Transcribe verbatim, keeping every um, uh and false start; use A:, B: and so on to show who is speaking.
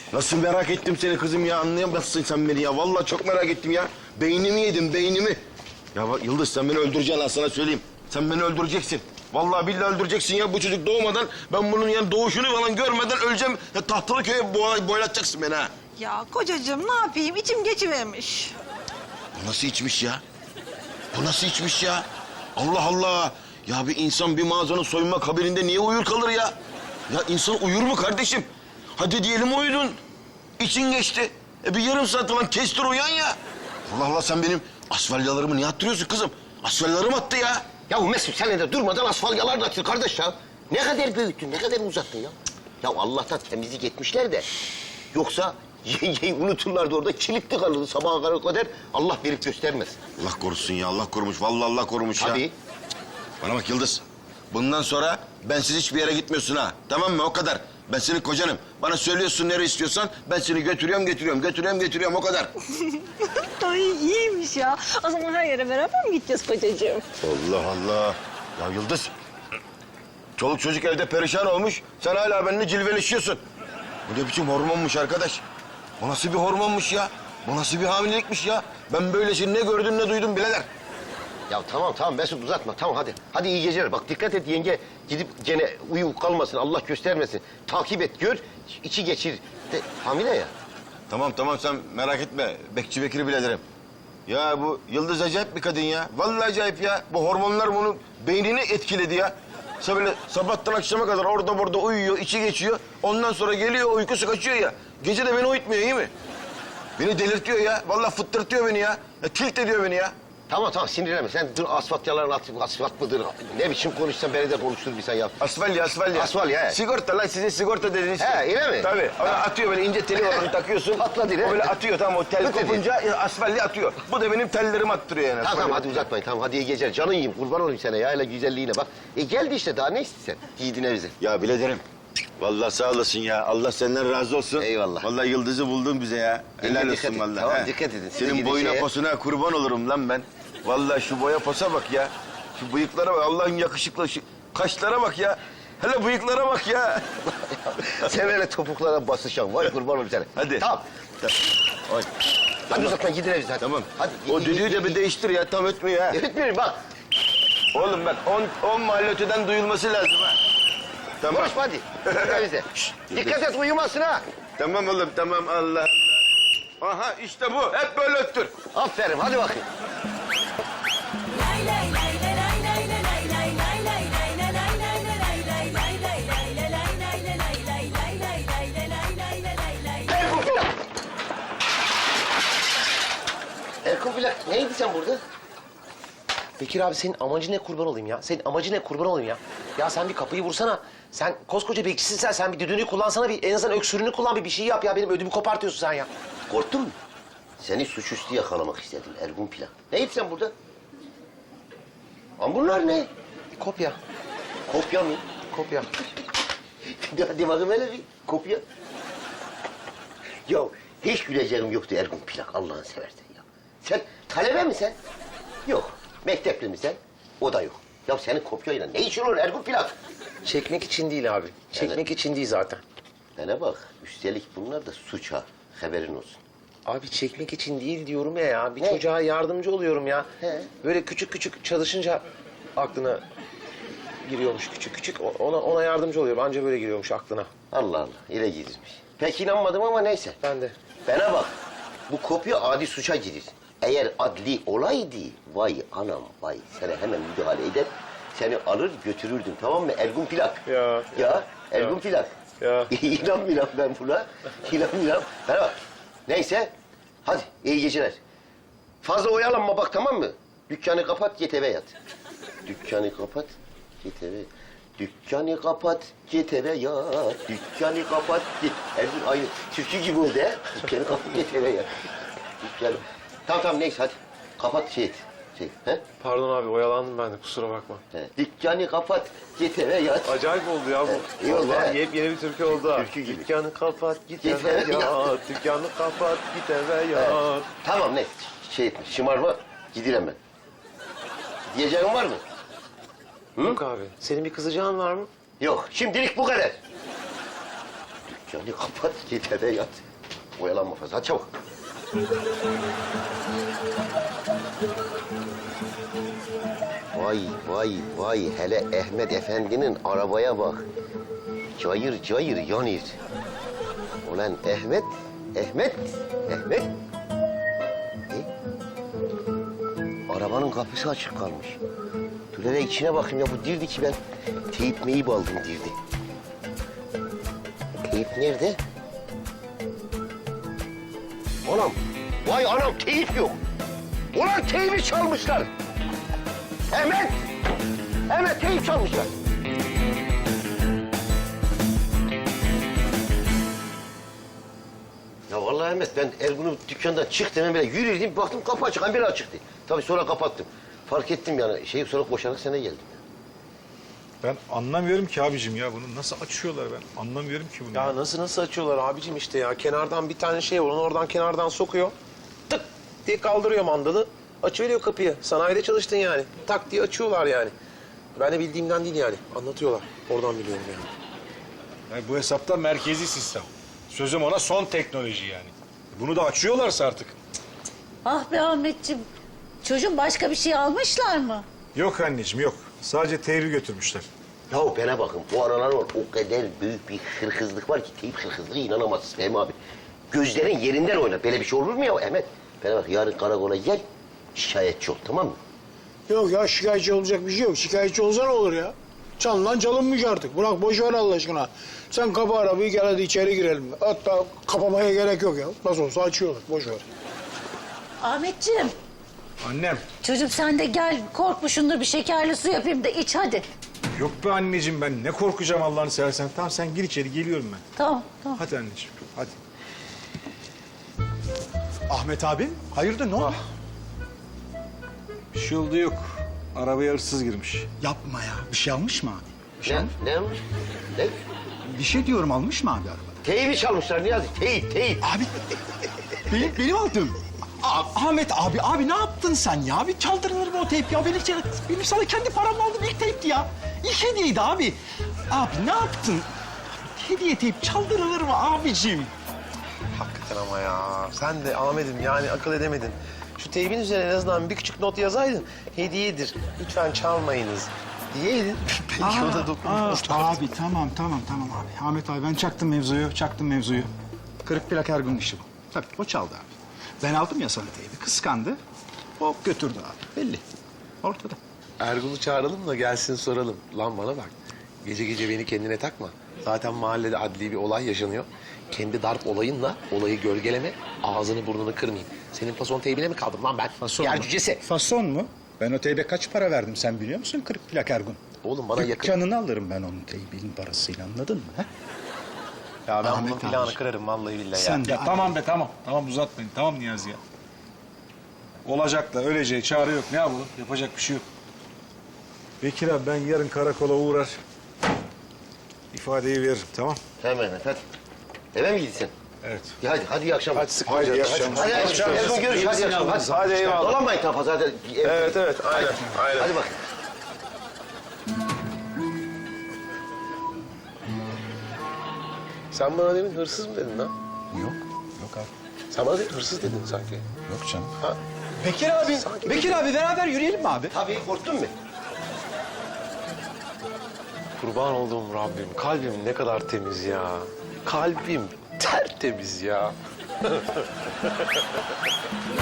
A: Nasıl merak ettim seni kızım ya, anlayamazsın sen beni ya. Vallahi çok merak ettim ya. Beynimi yedim, beynimi. Ya bak Yıldız, sen beni öldüreceksin ha, sana söyleyeyim. Sen beni öldüreceksin. Vallahi billahi öldüreceksin ya. Bu çocuk doğmadan, ben bunun yani doğuşunu falan görmeden öleceğim. Ya Tahtalıköy'e boy, boylatacaksın beni ha.
B: Ya kocacığım ne yapayım? İçim geçivermiş.
A: Bu nasıl içmiş ya? Bu nasıl içmiş ya? Allah Allah! Ya bir insan bir mağazanın soyunma kabininde niye uyur kalır ya? Ya insan uyur mu kardeşim? Hadi diyelim uyudun. İçin geçti. E bir yarım saat falan kestir uyan ya. Allah Allah, sen benim asfalyalarımı niye attırıyorsun kızım? Asfalyalarım attı ya.
C: Ya Mesut sen de durmadan asfalyalar da atıyor kardeş ya. Ne kadar büyüttün, ne kadar uzattın ya. Ya Allah'tan temizlik etmişler de. Yoksa yengeyi unuturlardı orada, kilitli kalırdı sabaha kadar. Allah verip göstermez.
A: Allah korusun ya, Allah korumuş. Vallahi Allah korumuş ya.
C: Tabii.
A: Bana bak Yıldız. Bundan sonra bensiz hiçbir yere gitmiyorsun ha. Tamam mı? O kadar. Ben senin kocanım. Bana söylüyorsun nereye istiyorsan, ben seni götürüyorum, götürüyorum, götürüyorum, götürüyorum. O kadar.
B: Ay iyiymiş ya. O zaman her yere beraber mi gideceğiz kocacığım?
A: Allah Allah. Ya Yıldız. Çoluk çocuk evde perişan olmuş. Sen hala benimle cilveleşiyorsun. Bu ne biçim hormonmuş arkadaş? Bu nasıl bir hormonmuş ya? Bu nasıl bir hamilelikmiş ya? Ben böylesini ne gördüm ne duydum birader.
C: Ya tamam tamam Mesut uzatma, tamam hadi. Hadi iyi geceler. Bak dikkat et yenge, gidip gene uyu kalmasın, Allah göstermesin. Takip et, gör, içi geçir. De, hamile ya.
A: Tamam tamam, sen merak etme. Bekçi Bekir'i biraderim. Ya bu Yıldız acayip bir kadın ya. Vallahi acayip ya. Bu hormonlar bunun beynini etkiledi ya. Sa böyle sabahtan akşama kadar orada burada uyuyor, içi geçiyor. Ondan sonra geliyor, uykusu kaçıyor ya. Gece de beni uyutmuyor, iyi mi? Beni delirtiyor ya. Vallahi fıttırtıyor beni ya. ya tilt ediyor beni ya.
C: Tamam tamam sinirlenme. Sen dur, asfalt yalan at, asfalt mıdır? Ne biçim konuşsan beni de konuştur bir sen ya.
A: Asfalya, asfalya.
C: Asfalya, he.
A: Sigorta lan, sizin sigorta dediğiniz şey.
C: He, öyle mi?
A: Tabii. Ona
C: Ha.
A: atıyor böyle, ince teli var, onu takıyorsun.
C: Patladı, değil mi?
A: O böyle atıyor, tamam, o tel
C: Patladı.
A: kopunca e, asfalya atıyor. Bu da benim tellerimi attırıyor yani.
C: Tamam tamam
A: asfalya.
C: hadi uzatmayın, tamam hadi iyi geceler. Canın yiyeyim, kurban olayım sana ya, hele güzelliğine bak. E geldi işte, daha ne istiyorsun? Yiğidine bize.
A: Ya biraderim, vallahi sağ olasın ya. Allah senden razı olsun.
C: Eyvallah.
A: Vallahi Yıldız'ı buldun bize ya. Helal
C: Dikkat
A: olsun
C: edin.
A: vallahi.
C: Tamam,
A: he.
C: dikkat edin. Size
A: Senin
C: gidin
A: boyuna
C: şeye.
A: posuna kurban olurum lan ben. Vallahi şu boya posa bak ya. Şu bıyıklara bak, Allah'ın yakışıklı şu kaşlara bak ya. Hele bıyıklara bak ya.
C: Sen öyle topuklara basışan, vay kurban olayım sana.
A: Hadi.
C: Tamam.
A: Oy.
C: Hadi uzatmayın, gidin evinize hadi.
A: Tamam.
C: Hadi.
A: O düdüğü de bir değiştir ya, tam ötmüyor ha.
C: Ötmüyorum bak.
A: Oğlum bak, on, on mahalle öteden duyulması lazım ha. Tamam.
C: Konuşma hadi. Gidin evinize. Şşt, dikkat et uyumasın ha.
A: Tamam oğlum, tamam, Allah Allah. Aha işte bu, hep böyle öttür.
C: Aferin, hadi bakayım. Erkun Plak. Erkun Plak, neydi sen burada?
D: Bekir abi senin amacın ne kurban olayım ya? Senin amacın ne kurban olayım ya? Ya sen bir kapıyı vursana. Sen koskoca bekçisin sen. Sen bir düdüğünü kullansana. Bir, en azından öksürüğünü kullan. Bir, bir şey yap ya. Benim ödümü kopartıyorsun sen ya.
C: Korktun mu? Seni suçüstü yakalamak istedim Ergun Plak. Neydi sen burada? Ama bunlar ne?
D: Kopya.
C: Kopya mı?
D: Kopya.
C: Hadi bakayım hele bir kopya. Ya hiç güleceğim yoktu Ergun Plak, Allah'ını seversen ya. Sen talebe mi sen? Yok. Mektepli mi sen? O da yok. Ya senin kopyayla ne işin olur Ergun Plak?
D: Çekmek için değil abi. Çekmek
C: Evet.
D: için değil zaten.
C: Bana bak, üstelik bunlar da suç ha. Haberin olsun.
D: Abi çekmek için değil diyorum ya ya. Bir
C: Ne?
D: çocuğa yardımcı oluyorum ya.
C: He.
D: Böyle küçük küçük çalışınca aklına giriyormuş küçük küçük. O- Ona ona yardımcı oluyorum. Anca böyle giriyormuş aklına.
C: Allah Allah, ile girilmiş. Pek inanmadım ama neyse.
D: Ben de.
C: Bana bak, bu kopya adi suça girir. Eğer adli olaydı, vay anam vay, sana hemen müdahale eder, seni alır götürürdüm, tamam mı Ergun Plak?
D: Ya,
C: Ya, Ergun
D: ya.
C: Plak.
D: Ya.
C: İnanmıyorum ben buna, inanmıyorum. Bana bak, neyse, hadi iyi geceler. Fazla oyalanma bak, tamam mı? Dükkanı kapat, git eve yat. Dükkanı kapat, git eve. Dükkanı kapat, git eve yat. Dükkanı kapat, git. Ergun aynı türkü gibi oldu he. Dükkanı kapat, git eve yat. Dükkanı... Tamam tamam neyse hadi. Kapat şey et. Şey, he?
D: Pardon abi oyalandım ben de kusura bakma.
C: He. Dükkanı kapat, git eve yat.
D: Acayip oldu ya bu.
C: Evet, iyi oldu,
D: Vallahi
C: he.
D: yepyeni bir türkü oldu ha.
C: Türkü gibi.
D: Dükkanı kapat git
C: Git
D: eve
C: eve
D: yat. Dükkanı kapat git eve yat.
C: Tamam ne? Şey etme, şımarma, gidelim ben. Diyeceğin var mı?
D: Yok abi. Senin bir kızacağın var mı?
C: Yok, şimdilik bu kadar. Dükkanı kapat, git eve yat. Oyalanma fazla. Hadi çabuk. Vay vay vay. Hele Ahmet Efendi'nin arabaya bak. Cayır cayır yanır. Ulan Ahmet, Ahmet, Ahmet. E? Arabanın kapısı açık kalmış. Dur hele içine bakayım ya, bu dirdi ki ben teyip meyip aldım dirdi. Teyip nerede? Anam, vay anam teyip yok. Ulan teybi çalmışlar. Ahmet, Ahmet teyip çalmışlar. Ya vallahi Ahmet, ben Ergun'un dükkandan çıktım, hemen böyle yürüdüm, baktım kapı açık, hemen açıktı. Tabii sonra kapattım. Fark ettim yani, şey sonra koşarak sana geldim.
E: Ben anlamıyorum ki abicim ya bunu nasıl açıyorlar ben anlamıyorum ki bunu.
D: Ya nasıl nasıl açıyorlar abicim işte ya. Kenardan bir tane şey var, onu oradan kenardan sokuyor. Tık diye kaldırıyor mandalı. Açıveriyor kapıyı. Sanayide çalıştın yani. Tak diye açıyorlar yani. Ben de bildiğimden değil yani. Anlatıyorlar. Oradan biliyorum yani.
E: Yani bu hesapta merkezi sistem. Sözüm ona son teknoloji yani. Bunu da açıyorlarsa artık.
B: Ah be Ahmetciğim. Çocuğum başka bir şey almışlar mı?
E: Yok anneciğim yok. Sadece teybi götürmüşler.
C: Yahu bana bakın, bu aralar var, o kadar büyük bir hırkızlık var ki, teyip hırkızlığı inanamazsın Fehmi abi. Gözlerin yerinden oynar, böyle bir şey olur mu ya Ahmet? Bana bak, yarın karakola gel, şikayetçi ol, tamam mı?
F: Yok ya, şikayetçi olacak bir şey yok. Şikayetçi olsa ne olur ya? Çalınan çalınmış artık. Bırak boş ver Allah aşkına. Sen kapa arabayı, gel hadi içeri girelim. Hatta kapamaya gerek yok ya. Nasıl olsa açıyorlar, boş ver.
B: Ahmetciğim.
E: Annem.
B: Çocuğum sen de gel korkmuşundur bir şekerli su yapayım da iç hadi.
E: Yok be anneciğim ben ne korkacağım Allah'ını seversen. Tamam sen gir içeri geliyorum ben.
B: Tamam tamam.
E: Hadi anneciğim hadi.
G: Ahmet abi, hayırdır ne oldu?
E: Bir şey oldu yok. Arabaya hırsız girmiş.
G: Yapma ya, bir şey almış mı abi? Bir şey,
C: Ne,
G: almış-
C: ne olmuş? Ne?
G: bir şey diyorum, almış mı abi arabada?
C: Teybi çalmışlar Niyazi, teyip, teyip.
G: Abi, benim, benim aldığım. Aa, Ahmet abi, abi ne yaptın sen ya? Bir çaldırılır mı o teyp ya? Benim, benim sana kendi paramla aldığım ilk teypti ya. İlk hediyeydi abi. Abi ne yaptın? Hediye teyp çaldırılır mı abicim?
D: Hakikaten ama ya. Sen de Ahmet'im yani akıl edemedin. Şu teybin üzerine en azından bir küçük not yazaydın. Hediyedir, lütfen çalmayınız diyeydin. Belki o da dokunmazdı.
G: Aa, abi tamam, tamam, tamam abi. Ahmet abi ben çaktım mevzuyu, çaktım mevzuyu. Kırık plak Ergun işi bu. Tabii o çaldı abi. Ben aldım ya sana teybi, kıskandı. Hop götürdü abi, belli. Ortada.
D: Ergun'u çağıralım da gelsin soralım. Lan bana bak. Gece gece beni kendine takma. Zaten mahallede adli bir olay yaşanıyor. Kendi darp olayınla olayı gölgeleme, ağzını burnunu kırmayayım. Senin fason teybine mi kaldım lan ben?
G: Fason
D: Yer
G: mu?
D: cücesi.
G: Fason mu? Ben o teybe kaç para verdim sen biliyor musun? Kırık plak Ergun.
D: Oğlum bana yakın.
G: Dükkanını alırım ben onun teybinin parasıyla, anladın mı? He?
D: Ya ben
G: Ahmet
D: bunun plağını
G: abi.
D: kırarım vallahi billahi ya.
G: Sen de
E: Ya tamam be tamam. Tamam uzatmayın. Tamam Niyazi ya. Olacak da öleceği çare yok. Ne yapalım? Yapacak bir şey yok. Bekir abi ben yarın karakola uğrar. İfadeyi veririm tamam.
C: Tamam Ahmet, hadi. Eve mi gitsin?
E: Evet.
C: Ya hadi, hadi iyi akşamlar.
D: Hadi sıkma
E: Hadi,
D: canını.
E: iyi akşamlar.
C: Hadi, hadi, hadi, hadi görüşürüz, hadi iyi akşamlar. Hadi,
D: Hadi eyvallah.
C: Dolanmayın daha fazla, hadi.
D: Evet evet aynen aynen.
C: Hadi bak.
D: Sen bana demin hırsız mı dedin lan?
G: Yok, yok abi.
D: Sen bana demin hırsız dedin sanki.
G: Yok canım.
D: Ha?
G: Bekir abi,
D: Sanki-
G: Bekir abi beraber yürüyelim mi abi?
C: Tabii, korktun mu?
D: Kurban olduğum Rabbim, kalbim ne kadar temiz ya. Kalbim tertemiz ya.